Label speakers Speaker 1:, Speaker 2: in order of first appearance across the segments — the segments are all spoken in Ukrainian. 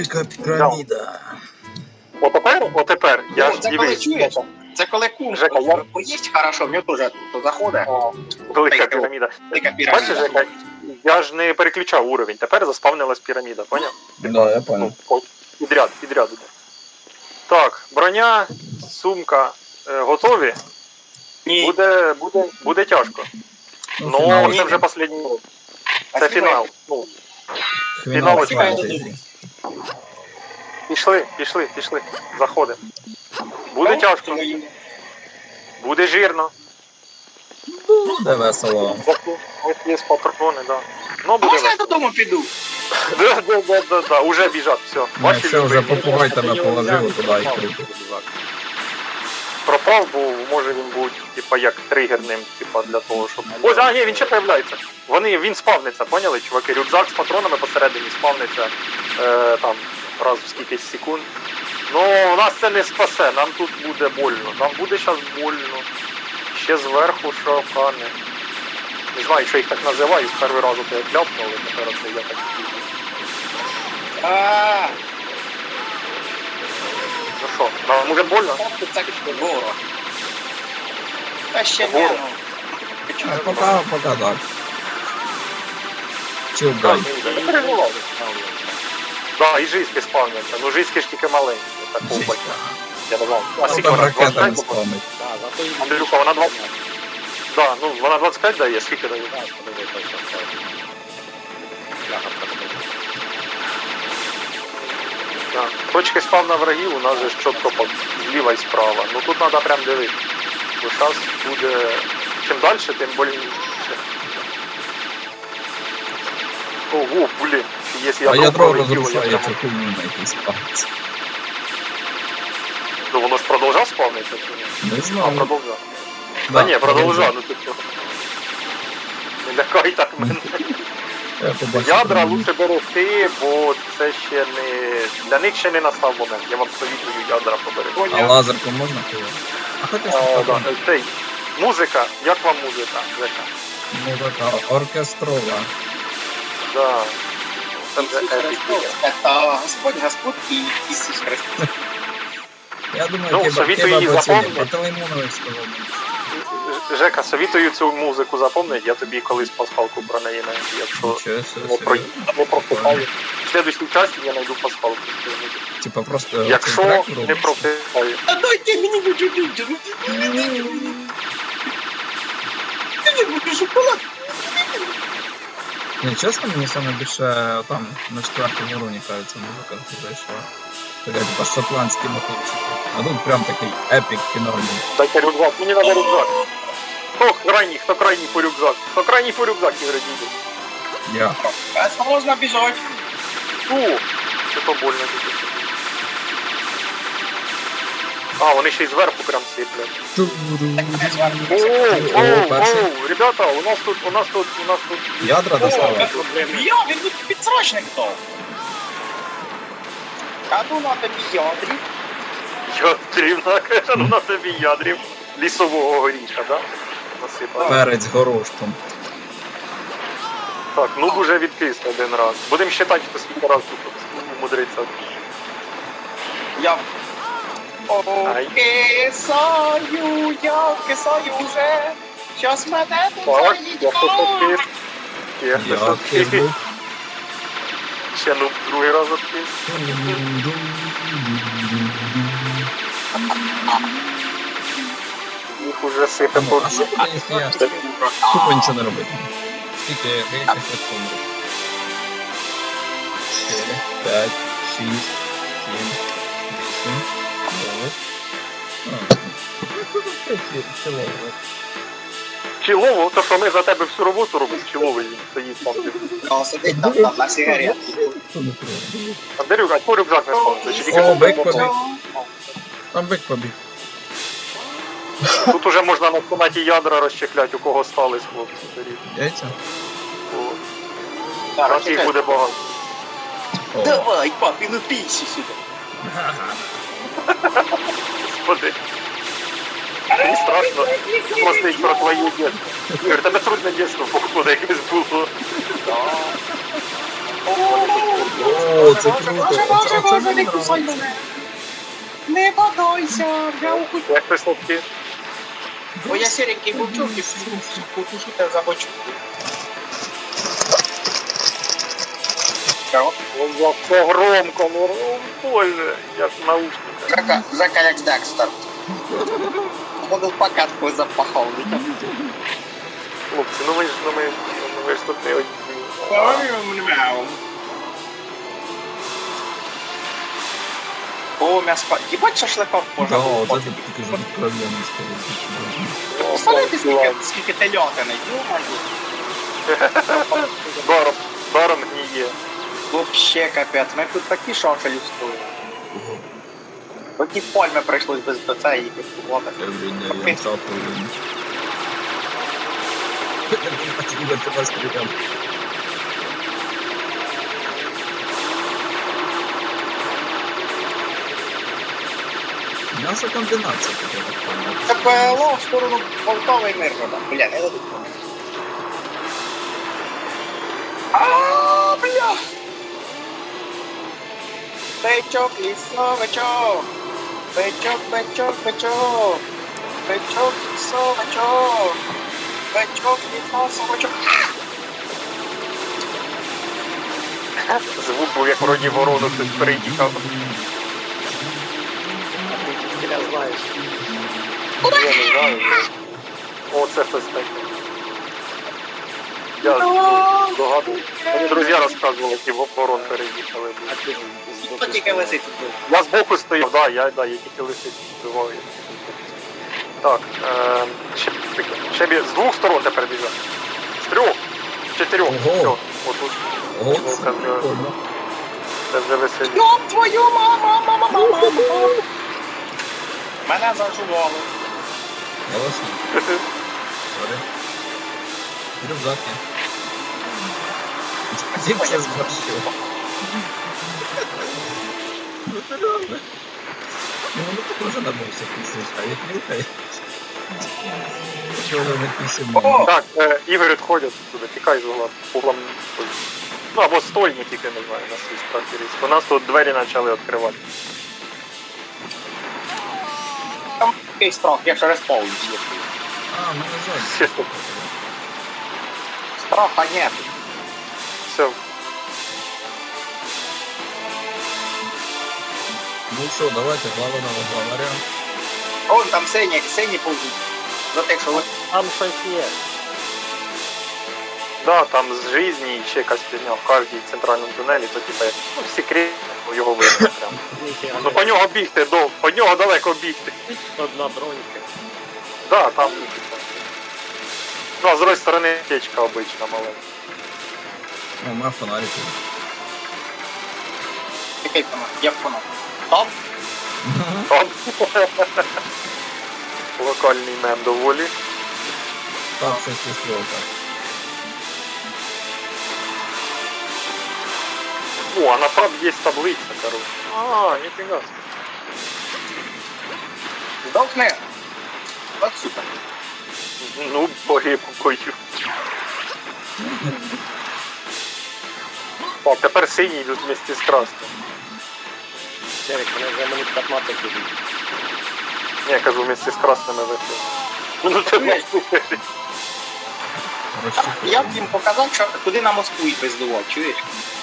Speaker 1: Велика піраміда.
Speaker 2: Отепер, я ж
Speaker 3: Це коли
Speaker 2: дивись.
Speaker 3: чуєш? Це коли кум
Speaker 2: Жека, я-
Speaker 3: поїсть хорошо, в нього теж тут заходить.
Speaker 2: Велика піраміда.
Speaker 3: Велика
Speaker 2: Бачиш,
Speaker 3: піраміда.
Speaker 2: Жека, я ж не переключав уровень, тепер заспавнилась піраміда, поняв?
Speaker 1: Да, я понял.
Speaker 2: Підряд іде. Так, броня, сумка готові.
Speaker 3: Ні.
Speaker 2: Буде тяжко. Ну,
Speaker 1: фінал.
Speaker 2: це вже останній урок.
Speaker 3: А
Speaker 2: Це
Speaker 3: співай.
Speaker 2: фінал. Ну,
Speaker 1: Фінал
Speaker 2: фінал
Speaker 1: фентезі.
Speaker 2: пішли. Заходимо. Буде тяжко, буде жирно.
Speaker 1: Буде весело.
Speaker 2: Ось є патрони, да. Ну, буде
Speaker 3: Можна я
Speaker 2: весело.
Speaker 3: додому піду?
Speaker 2: Да, уже біжать, все.
Speaker 1: Ну, все, вже попугай тебе положили туди і крутить.
Speaker 2: Пропав, бо може він був, типа, як тригерним, типа, для того, щоб... Ось, ні, він ще появляється. Він спавниться, поняли, чуваки? Рюкзак з патронами посередині спавниться там раз в скількись секунд. Ну, нас це не спасе, нам тут буде больно. Нам буде зараз больно. Ще зверху шокани. Не знаю, що їх так називаю, з перший раз я кляпнув, але тепер це я так пізно. Ну що, нам буде больно?
Speaker 3: Це ворог. Та ще
Speaker 2: Ворог.
Speaker 3: не, ну.
Speaker 1: Пока так. Чилдай.
Speaker 2: Да, і жиськи спавняться. Ну жиськи ж тільки маленькі. Такого бачу. Я не знаю. А
Speaker 1: Ну
Speaker 2: скільки
Speaker 1: там
Speaker 2: вона?
Speaker 1: ракетами
Speaker 2: 25?
Speaker 1: спавнить.
Speaker 2: Андрюха, вона 20. Да, ну вона 25 дає, скільки дає? Да. Точки спавна врагів у нас же ж чітко зліва і справа. Ну тут треба прям дивитися. Бо зараз буде... Чим далі, тим больніше. Ого, блін. Якщо
Speaker 1: А ядро
Speaker 2: пролетіло, я
Speaker 1: розрушає
Speaker 2: прямо-
Speaker 1: цю хуйню на якийсь палець.
Speaker 2: Ну воно ж продовжав спавнитися чи ні?
Speaker 1: Не
Speaker 2: А,
Speaker 1: знаю.
Speaker 2: продовжав.
Speaker 1: Да,
Speaker 2: Та ні, продовжав, ну ти чого. Не лякай так мене.
Speaker 1: Я побачив.
Speaker 2: Ядра лучше берегти, бо це ще не... Для них ще не настав момент. Я вам совітую ядра поберегти.
Speaker 1: А лазерку можна пити? А хоча що
Speaker 2: Да,
Speaker 1: там?
Speaker 2: цей, музика, як вам музика, Жека?
Speaker 1: Музика оркестрова.
Speaker 2: Да. Це вже
Speaker 3: Ісус
Speaker 2: епік.
Speaker 3: Христос. Це Господь і Ісус Христос.
Speaker 1: Я думаю,
Speaker 2: Ну,
Speaker 1: хіба
Speaker 2: совітую її
Speaker 1: доцільно.
Speaker 2: запомнити.
Speaker 1: По Телеймонович сказав.
Speaker 2: Жека, совітую цю музику запомнити, я тобі колись пасхалку про неї знайду, якщо
Speaker 1: Нічого
Speaker 2: не прочитаю. В следующій часті я знайду пасхалку.
Speaker 1: Типа просто...
Speaker 2: Якщо
Speaker 1: трек
Speaker 2: не
Speaker 1: робиться.
Speaker 2: прочитаю.
Speaker 3: А дайте мені чуть-чуть. Ти будеш шоколад.
Speaker 1: Ні, чесно, мені саме більше там на четвертому уровні, кажеться, музика зайшла. Така типа шотландські мотивчики. А тут прям такий епік фінальний.
Speaker 2: Дайте рюкзак, мені треба рюкзак. Хто крайній по рюкзак? Хто крайній по рюкзак, Ігор Дідів?
Speaker 1: Я.
Speaker 3: А можна біжать.
Speaker 2: Фу, це то больно таке. А, вони ще й зверху прям сиплять. Оу, ребята, у нас тут.
Speaker 1: Ядра доставай.
Speaker 3: Я, він тут підсрочник то. А ну на тобі ядрі.
Speaker 2: Ядрів, ну на тобі ядрів. Лісового горіха, да? Насипав.
Speaker 1: Перець горошком.
Speaker 2: Так, ну вже відкис один раз. Будемо считати, хто скільки раз тут умудриться.
Speaker 3: Я
Speaker 2: Ай.
Speaker 3: я кисаю вже. Щас мене тут
Speaker 2: Так,
Speaker 3: заїдь.
Speaker 2: я хто відкис. Я
Speaker 1: Я
Speaker 2: хто
Speaker 1: відкис
Speaker 2: відкис.
Speaker 1: був.
Speaker 2: Ще ну другий раз відкис. Їх уже сипе
Speaker 1: Ну,
Speaker 2: по
Speaker 1: а що буде, якщо я тупо нічого не робити? Скільки я хоч помру? 4, 5, 6, 7, 8, 9.
Speaker 2: Чілово, то що ми за тебе всю роботу робимо, чіловий стоїть там.
Speaker 3: О, сидить там на сигареті.
Speaker 2: Андрюк, а чого рюкзак не спав?
Speaker 1: О, бик побіг. Там бик побіг.
Speaker 2: Тут уже можна на кімнаті ядра розчехляти, у кого стались хлопці.
Speaker 1: Яйця?
Speaker 2: Раз їх буде багато.
Speaker 1: О.
Speaker 3: Давай, папі, ну пійся сюди.
Speaker 2: Господи. Мені страшно спростить про твоє дитинство. Ігор, тебе трудне дитинство, походу, якесь було.
Speaker 1: О, це круто. Оце мені нравиться.
Speaker 3: Не бодайся, я уху.
Speaker 2: Як ти слабкі?
Speaker 3: Бо я сіренький вовчок і покушайте за бочку. Чого?
Speaker 2: Як це громко, ну боже, як наушника.
Speaker 3: Жака як Декстер. Буду покатку запахав.
Speaker 2: Хлопці, ну ми ж тут не одні.
Speaker 3: О, м'ясо. Їбать шашликов
Speaker 1: Да,
Speaker 3: можна.
Speaker 1: оце ти тільки ж откровенний скоріше.
Speaker 3: Представляєте, скільки тельотини?
Speaker 2: Даром гніє.
Speaker 3: Вообще капець, ми тут такі шашелі стоїмо. Такі пальми прийшлось без БЦ і купувати.
Speaker 1: Every day I'm suffering. Ігор, ти вас прийдем. М'ясокомбінація така, я так понял.
Speaker 3: Це ПЛО в сторону Полтави і Миргорода. Бля, не дадуть. Ааа, бля! Бичок, лісовичок! Бичок, бичок, бичок! Бичок, лісовичок! Бичок, лісовичок!
Speaker 2: Звук був як вроді ворону хтось переїхав.
Speaker 4: Я знаєш.
Speaker 2: Я не знаю. О, це хтось такий. Я догадую. Мені друзі розказували, які ворон переїхали.
Speaker 4: А ти ж
Speaker 3: Хто тільки висить тут?
Speaker 2: Я збоку стояв, да, я тільки лисиць збиваю. Так, ще з двох сторон тепер біжать. З трьох, з чотирьох.
Speaker 1: Ого.
Speaker 2: Все, отут.
Speaker 1: О,
Speaker 2: Ну,
Speaker 1: це
Speaker 2: це вже-
Speaker 1: прикольно.
Speaker 2: Це вже веселі.
Speaker 3: Ёб твою мама! Мене зажували.
Speaker 1: Голосно. Сорі. Рюкзак є. Спасибо, я зборщив. Ну це реально. Ну воно похоже на боксер, а як нюхає. Чого воно пісимо?
Speaker 3: О!
Speaker 2: Так, Ігор відходять туди, тікай з угла. Углом. Ну або стой, не тільки, не знаю, на свій страх і ризик. У нас тут двері почали відкривати.
Speaker 3: Там якийсь страх, я ще респаунюсь.
Speaker 1: А, ну нажать.
Speaker 2: Все, стоп.
Speaker 3: Страха нет.
Speaker 2: Все.
Speaker 1: Ну що, давайте главного главаря.
Speaker 3: Вон там сині повзуть. За те, що ви...
Speaker 4: Там щось є.
Speaker 2: Да, там з жизні і ще якась фігня в кожній центральному тунелі, то типа, ну, секрет, його видно прям.
Speaker 4: Ніфіга.
Speaker 2: Ну по нього бігти, по нього далеко бігти.
Speaker 4: Одна бронька.
Speaker 2: Да, там. Ну, а з другої сторони течка обична маленька.
Speaker 1: О, має фонарики.
Speaker 3: Який там? Як воно? Там?
Speaker 2: Там. Локальний мем доволі.
Speaker 1: Так, щось висловка.
Speaker 2: О, а на фаб є таблиця, короче. А, ніфіга.
Speaker 3: Здохни. От супер.
Speaker 2: Ну, боги покою. Так, тепер сині йдуть вместе з красним.
Speaker 4: Серик, мене вже мені 15 ідуть.
Speaker 2: Ні, я кажу, вместе з красними вийшли. Ну, це не слухай.
Speaker 3: Я б їм показав, що куди на Москву і пиздував, чуєш?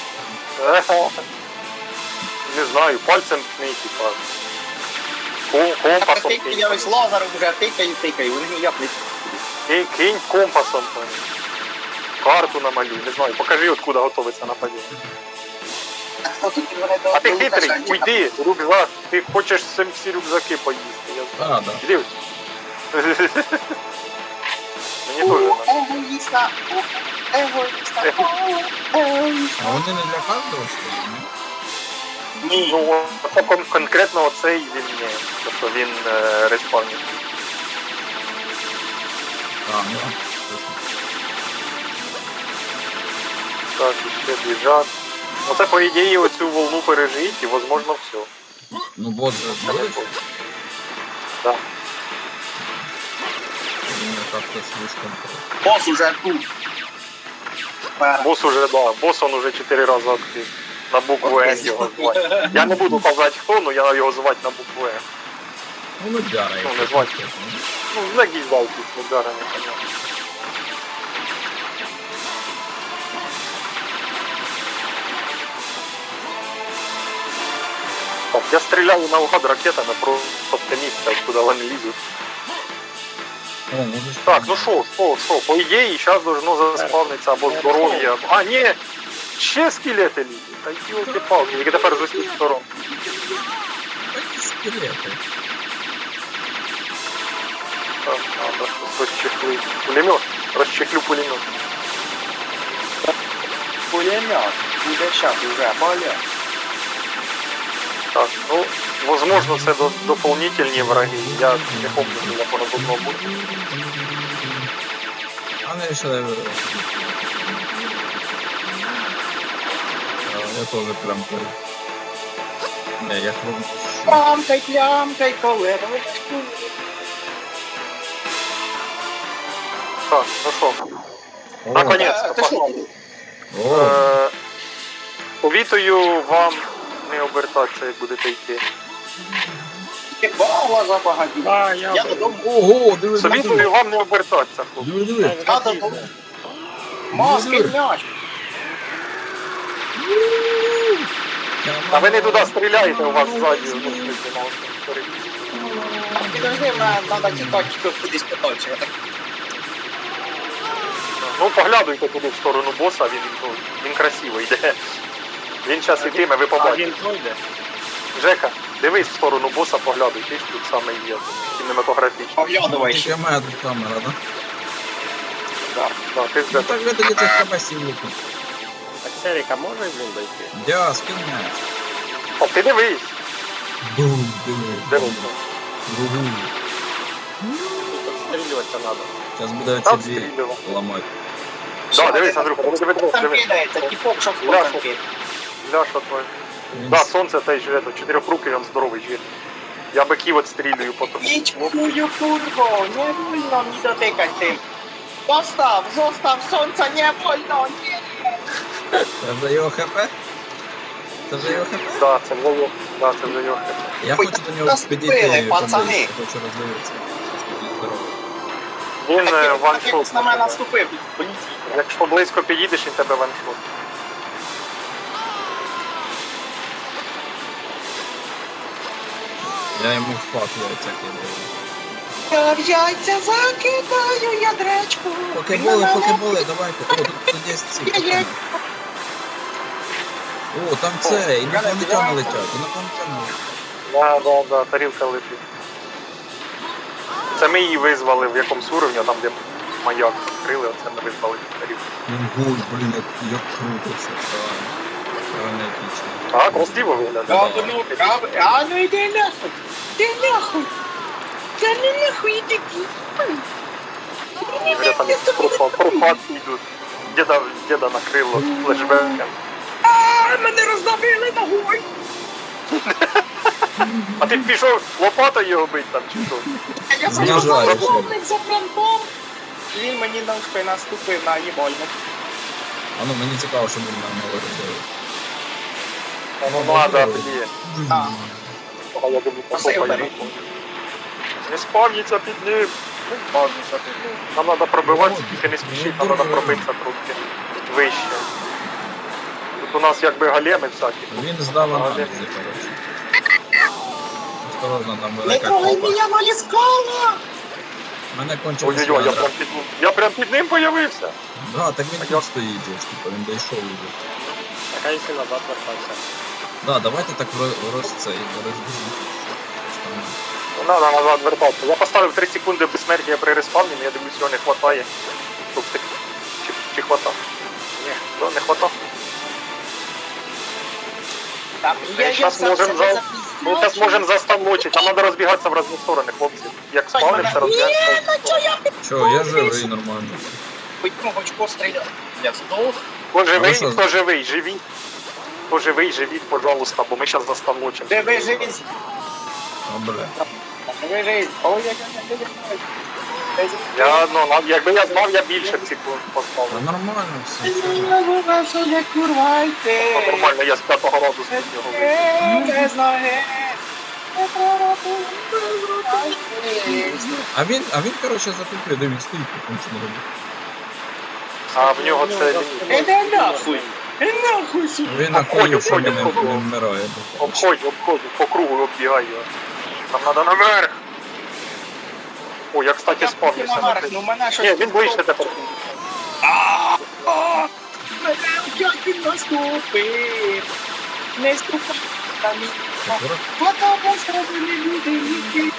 Speaker 2: Не знаю, пальцем ткни, типа.
Speaker 3: Так
Speaker 2: Компасом
Speaker 3: тикаю,
Speaker 2: кинь.
Speaker 3: я ось лазером вже тикаю, вони ніяк не...
Speaker 2: Кинь компасом. там. Карту намалюй, не знаю. Покажи, откуда готовиться нападіння.
Speaker 3: А тут вони до
Speaker 2: А ти
Speaker 3: до
Speaker 2: хитрий,
Speaker 3: Лукашенка.
Speaker 2: уйди, рюкзак. Ти хочеш всі рюкзаки поїсти. Я знаю.
Speaker 1: А, да.
Speaker 2: Іди. Мені теж надо.
Speaker 3: Егоїста, егоїста, егоїста.
Speaker 1: А вони не для кожного, що ли? Ні?
Speaker 3: Ні.
Speaker 2: Ну, конкретно оцей він не. Тобто він респавнить.
Speaker 1: А, ну.
Speaker 2: Так, і ще біжать. Ну це по ідеї оцю волну пережить і возможно все.
Speaker 1: Ну, бот же здається.
Speaker 2: Да.
Speaker 1: Він как-то слишком...
Speaker 3: Бос уже тут.
Speaker 2: Бос уже, да, бос он уже 4 рази актив. На букву Н його звати. Я не буду казати хто, но я його звати на букву Н.
Speaker 1: Ну, Нудяра,
Speaker 2: Ну,
Speaker 1: якщо
Speaker 2: не звати.
Speaker 1: чесно.
Speaker 2: Ну, на гізалки з ударами, понятно. Так, я стріляю наугад ракетами, просто оптиміста, куди вони лізуть.
Speaker 1: О, можеш...
Speaker 2: Так, ну що, по ідеї, зараз должно заспавнитися або здоров'я. А, ні! Ще скелети лізуть. Та йолки-палки, які тепер з усіх сторон.
Speaker 1: Такі скелети.
Speaker 2: Так, надо розчехли. Пулемет. Розчехлю пулемет.
Speaker 3: Пулемет. Буде щас уже, поля.
Speaker 2: Так, ну, возможно, це дополнительні враги. Я не пам'ятаю, як воно должно бути.
Speaker 1: А не ще... Я теж прям перед... Не, я хром...
Speaker 3: Плямкай, колерочку.
Speaker 2: Так, ну що, наконець-то,
Speaker 3: Ти що?
Speaker 2: погнали.
Speaker 1: О,
Speaker 2: Повітую вам не обертатися, як будете йти.
Speaker 3: Єбала забагатів.
Speaker 4: А,
Speaker 3: Я додому.
Speaker 1: ого, диви,
Speaker 2: Совітую вам не обертатися, хлопці.
Speaker 1: диви.
Speaker 3: Я додому. Маски м'яч.
Speaker 2: А ви не туди стріляєте, у вас ззаді. Ну,
Speaker 3: Підожди, мене треба тікати кудись подальше. Я так
Speaker 2: ну, поглядуйте туди в сторону боса, він красиво йде. Він зараз йтиме, ви
Speaker 4: А
Speaker 2: побачите.
Speaker 4: він пройде?
Speaker 2: Жека, дивись в сторону боса, поглядуй, ти ж тут саме є. Кінематографічно.
Speaker 3: поглядувай
Speaker 1: Тільки
Speaker 3: ще.
Speaker 1: в мене тут камера, да?
Speaker 2: Так, ти
Speaker 1: Ну
Speaker 2: вже
Speaker 1: так ви тоді цих кабасів лупить.
Speaker 4: Так Серіка може він дойти?
Speaker 1: Дя, скинь мене.
Speaker 2: О, ти дивись.
Speaker 1: Бум, диви.
Speaker 2: Дивись.
Speaker 1: Бум.
Speaker 4: Тут відстрілюватися треба.
Speaker 1: Зараз буде
Speaker 2: Там
Speaker 1: ці дві
Speaker 2: стрілював.
Speaker 1: ламати.
Speaker 2: Да, дивись, Андрюха, диви.
Speaker 3: Там кидається, тіпок, що в
Speaker 2: Ляшо.
Speaker 3: там кидає.
Speaker 2: Ляша твоя. Да, сонце теж это, чотирьохрукий, він здоровий жир. Я биків отстрілюю потім.
Speaker 3: Нічкую, курво, не вольно мені дотикати. Zostaw, сонця, не вольно, ні.
Speaker 1: Це вже його хп? Це вже його хп?
Speaker 2: Да, це вже його. Да, це вже його.
Speaker 1: Я
Speaker 3: Ой,
Speaker 1: хочу до нього
Speaker 3: нас
Speaker 1: підійти,
Speaker 3: вбили, пацани.
Speaker 1: поближче, хочу роздивитися. Скільки здоровий.
Speaker 2: Він
Speaker 3: Так,
Speaker 2: ваншот.
Speaker 3: як на мене наступив, поліції.
Speaker 2: Якщо близько підійдеш, він тебе ваншот.
Speaker 1: Я йому в пак яйця кидаю.
Speaker 3: Я в яйця закидаю ядречку.
Speaker 1: Покеболи, давайте. О, тут є ці.
Speaker 3: Є.
Speaker 1: О, там це, інопланетяни летять, інопланетяни летять.
Speaker 2: Да, тарілка летить. Це ми її визвали в якомусь уровні, там де маяк відкрили, оце ми визвали цю тарілку.
Speaker 1: Ого, блін, як круто все. Реально епічно.
Speaker 2: А, красиво виглядає.
Speaker 3: А ну йди нахуй. Ти нахуй. Та не нахуй іди.
Speaker 2: Вже там профатки йдуть. Діда накрило флешбеком.
Speaker 3: А, мене роздавили ногою.
Speaker 2: А ти пішов лопатою його бить там чи що?
Speaker 3: Я
Speaker 1: Знажаю,
Speaker 3: просто
Speaker 1: що.
Speaker 3: помник за фронтом. Він мені на ушко наступив на їбольник.
Speaker 1: А ну мені цікаво, що він нам говорить.
Speaker 2: Ну ладно, тоді.
Speaker 3: А,
Speaker 2: А я думаю,
Speaker 3: Посил
Speaker 2: покопаю.
Speaker 3: бери.
Speaker 2: Не спавніться під ним. Не спавніться під ним. Нам треба пробиватися, тільки не спішіть, нам треба пробитися трохи вище. Тут у нас якби големи всякі.
Speaker 1: Він здав аналізи, коротше. Осторожно, там
Speaker 3: не
Speaker 1: велика
Speaker 3: трогай
Speaker 1: копа.
Speaker 3: мене, валіскала.
Speaker 1: Мене кончилось
Speaker 2: Ой-ой-ой,
Speaker 1: ядра.
Speaker 2: я прям під ним появився.
Speaker 1: Да, так він
Speaker 2: А
Speaker 1: тут
Speaker 2: як?
Speaker 1: стоїть, же ж, типу, він дійшов уже.
Speaker 4: Так а якщо назад вертатися?
Speaker 1: Да, давайте так розберемо.
Speaker 2: Не треба назад вертатися. Я поставив 3 секунди безсмертя при респавні, я дивлюсь, його не хватає. Щоб ти... Чи хватає? Ні, то не хватає.
Speaker 3: Там
Speaker 2: Ми зараз можемо заставночити, нам треба розбігатися в різні сторони, хлопці. Як спавнимося, розбігаємося.
Speaker 1: Чо, я живий нормально.
Speaker 3: Пойдемо хоч постріляти. Я здох.
Speaker 2: Хто живий,
Speaker 1: що?
Speaker 2: хто живий, живіть. Хто живий, живіть, пожалуйста, бо ми зараз заставночимо.
Speaker 3: Де ви живі?
Speaker 1: О, бля.
Speaker 3: Ви живі. Ой-ой-ой.
Speaker 2: Я, ну, якби я знав, я більше б ці поставив.
Speaker 1: Та нормально все.
Speaker 2: Ну, нормально, я з 5-го разу з нього вийшов.
Speaker 1: А він, коротше, затупив, де він стоїть, потім це не робить.
Speaker 2: А в нього це лінія.
Speaker 3: Іди нахуй! Нахуй сюди!
Speaker 1: Він
Speaker 2: Обходь,
Speaker 1: нахуй, що
Speaker 2: обходь,
Speaker 1: він не
Speaker 2: обходь.
Speaker 1: вмирає.
Speaker 2: Обходь, по кругу оббігай його. Нам треба наверх. О, я, кстати, спавнився на
Speaker 3: Ну мене щось...
Speaker 2: Ні, він ближче тепер.
Speaker 3: Мене опять він наступив! Не ступай на мій... Потому що ви не люди,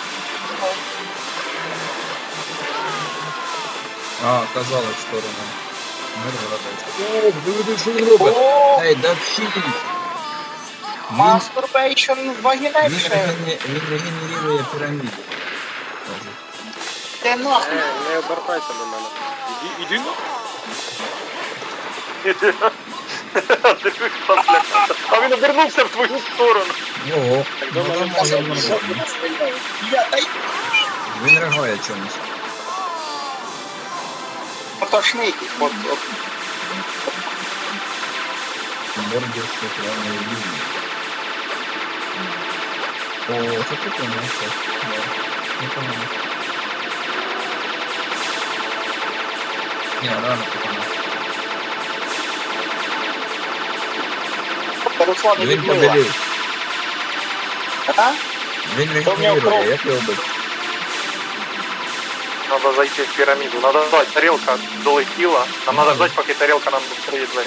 Speaker 1: А, казали в сторону. О, диви, що він робить?
Speaker 3: О,
Speaker 1: Ей, да вчіть!
Speaker 3: мастурбейшн
Speaker 1: Він
Speaker 3: вагінейшн!
Speaker 1: регенерує піраміду. Каже.
Speaker 3: Ти нахуй!
Speaker 4: Не обертайся до мене. Іди на.
Speaker 2: А він обернувся в твою сторону.
Speaker 1: Ого,
Speaker 4: Так
Speaker 1: ну
Speaker 4: до мене
Speaker 1: там
Speaker 4: все
Speaker 1: може
Speaker 4: нормально.
Speaker 1: нормально.
Speaker 3: Я дай
Speaker 1: Він реагує чомусь.
Speaker 3: потошний. От.
Speaker 1: Бордер шоколадної лінії. О, це прикольно, так. Непогано. Ні, реально прикольно.
Speaker 3: Руслан
Speaker 1: Він
Speaker 3: відмила.
Speaker 1: побілів.
Speaker 3: А?
Speaker 1: Він
Speaker 3: То в нього кров.
Speaker 1: регенерує, як його бить?
Speaker 2: Надо зайти в піраміду. Надо ждать, тарелка долетіла. Нам надо ждать, поки тарелка нам відкриє двері.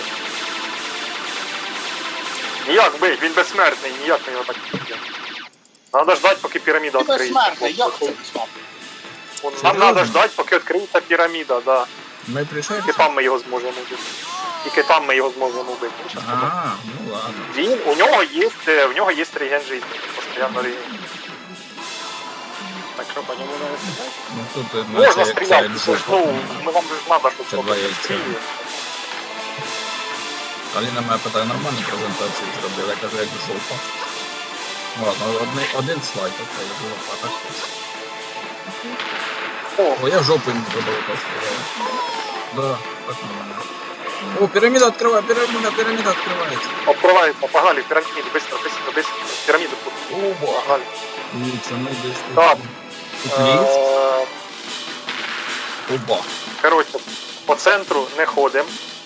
Speaker 2: Ніяк бить, він безсмертний, ніяк ми його так не б'ємо. Надо ждать, поки піраміда
Speaker 3: Ти
Speaker 2: відкриється.
Speaker 3: безсмертний, як це безсмертний?
Speaker 2: Нам
Speaker 1: Серйозно?
Speaker 2: надо ждать, поки відкриється піраміда, да.
Speaker 1: Ми прийшли?
Speaker 2: Тільки там ми його зможемо вбити. Тільки там ми його зможемо вбити.
Speaker 1: А, ну ладно.
Speaker 2: У нього є реген життя. Постоянно реген.
Speaker 4: Так що по ньому не стріляти?
Speaker 1: Ну тут
Speaker 2: Можна
Speaker 1: це
Speaker 2: стріляти,
Speaker 1: як
Speaker 2: це ж, ну, ми вам же ж надо, щоб
Speaker 1: Це
Speaker 2: хтось
Speaker 1: два яйця.
Speaker 2: стріляє.
Speaker 1: Аліна мене питає, нормальну презентацію зробив, я кажу, як жопа. Ладно, один слайд, окей, жопа, так. О, я жопу не зробив, так сказав. Да, так нормально. О, піраміда відкриває, піраміда відкривається.
Speaker 2: Открывается, погнали в пирамиду, быстро, в пирамиду.
Speaker 1: Оба.
Speaker 2: Погнали.
Speaker 1: Дивіться, ми десь тут.
Speaker 2: Так.
Speaker 1: Тут ліфт. Оба.
Speaker 2: Коротше, по центру не ходимо.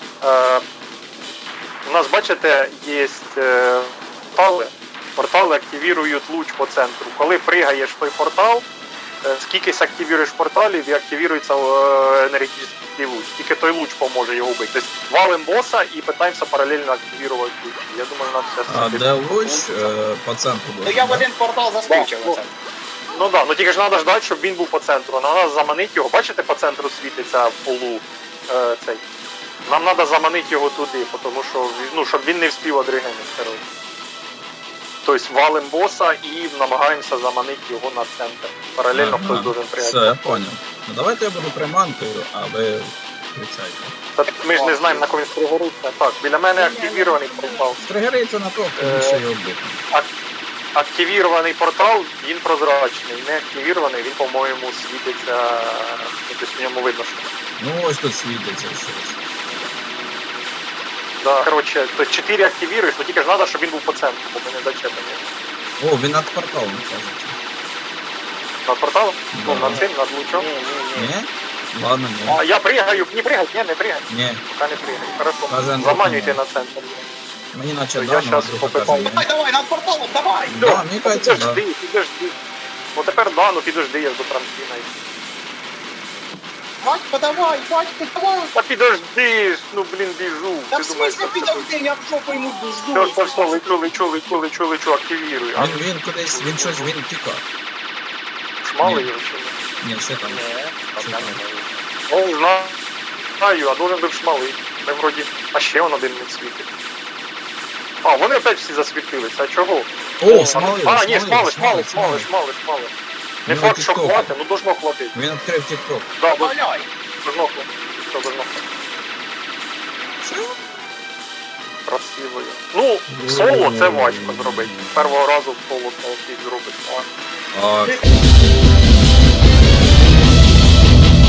Speaker 2: У нас, бачите, є портали. Портали активують луч по центру. Коли пригаєш в той портал, скількись активуєш порталів і активується енергетичний луч. Тільки той луч поможе його вбити. Тобто валим боса і питаємося паралельно активувати луч. Я думаю, нам
Speaker 1: А
Speaker 2: все
Speaker 1: де луч? По центру.
Speaker 3: Ну я в один портал заскочив
Speaker 2: Да,
Speaker 3: оце.
Speaker 2: Ну да, ну тільки ж треба ждати, щоб він був по центру. Треба заманити його. Бачите, по центру світиться в полу цей. Нам треба заманити його туди, тому що, ну, щоб він не вспів одригенити, коротше. Тобто валим боса і намагаємося заманити його на центр. Паралельно хтось должен прийняти.
Speaker 1: Все, я понял. Ну давайте я буду приманкою, а ви кричайте.
Speaker 2: Та ми ж не знаємо, на кого він пригориться. Так, біля мене активірований портал.
Speaker 1: Стригериться на то, хто більше його бити.
Speaker 2: Активірований портал, він прозрачний. Не активірований, він, по-моєму, світиться. Тобто в ньому видно, що.
Speaker 1: Ну ось тут світиться щось.
Speaker 2: Да, короче, то 4 активируешь, но тільки ж надо, щоб він був по центру, бо ми не зачепані.
Speaker 1: О, він над порталом, кажуть.
Speaker 2: Над порталом? Ну,
Speaker 1: Да.
Speaker 2: над цим, над лучом.
Speaker 1: Ні? Ладно, ні.
Speaker 2: А я пригаю, не пригать, не пригай.
Speaker 1: Ні.
Speaker 2: Пока не пригай. Хорошо.
Speaker 1: Каже,
Speaker 2: Заманюйте
Speaker 1: ні.
Speaker 2: на центр.
Speaker 1: Мені наче
Speaker 2: Я
Speaker 1: да,
Speaker 2: щас
Speaker 1: но друга
Speaker 2: попитаю.
Speaker 1: каже, ні.
Speaker 3: Давай, над порталом, давай!
Speaker 1: Да, мені кажеться, да.
Speaker 2: Підожди. Ну тепер да, ну підожди, я ж до трампліна.
Speaker 3: Батько, давай, батько, давай!
Speaker 2: Та підожди ж, ну блін, біжу.
Speaker 3: Та
Speaker 2: Ти
Speaker 3: в
Speaker 2: думаєш,
Speaker 3: смысле
Speaker 2: що це
Speaker 3: підожди, я в жопу йому
Speaker 2: Все,
Speaker 3: жду.
Speaker 2: все, все, лечу, активірую. А
Speaker 1: Він кудись, він щось, він тікав.
Speaker 2: шмали
Speaker 1: Ні.
Speaker 2: його чи ні?
Speaker 1: Ні, ще там.
Speaker 4: Ні, пока
Speaker 1: Чекай.
Speaker 4: не можу.
Speaker 2: Ну, знаю, а должен був шмалий. Ми вроді, а ще он один не світить. А, вони опять всі засвітилися, а чого?
Speaker 1: О, смалив,
Speaker 2: А, ні, шмали. Не
Speaker 1: Ну,
Speaker 2: факт, що
Speaker 1: TikTok.
Speaker 2: хватить, ну должно хватить.
Speaker 1: Він відкрив тік-ток.
Speaker 2: Да,
Speaker 3: Валяй!
Speaker 2: должно хватить. Все, должно хватить. Красиво. є. Ну, соло це важко зробити. Першого разу в соло це зробити.
Speaker 1: А,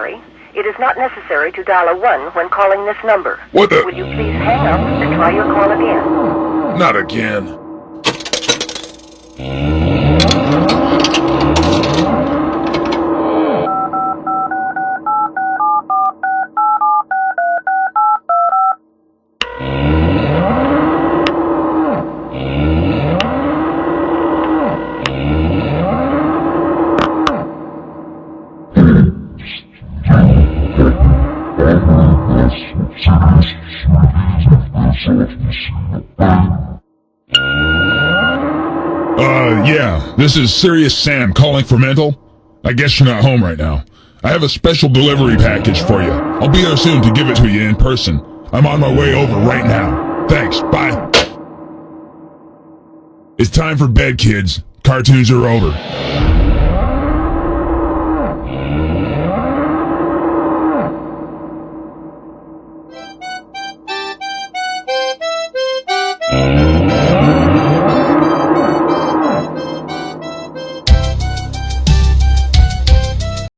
Speaker 5: sorry. It is not necessary to dial a 1 when calling this number.
Speaker 6: What the?
Speaker 5: Would you please hang up and try your call again?
Speaker 6: Not again. Yeah, this is Serious Sam calling for Mental. I guess you're not home right now. I have a special delivery package for you. I'll be there soon to give it to you in person. I'm on my way over right now. Thanks, bye. It's time for bed, kids. Cartoons are over.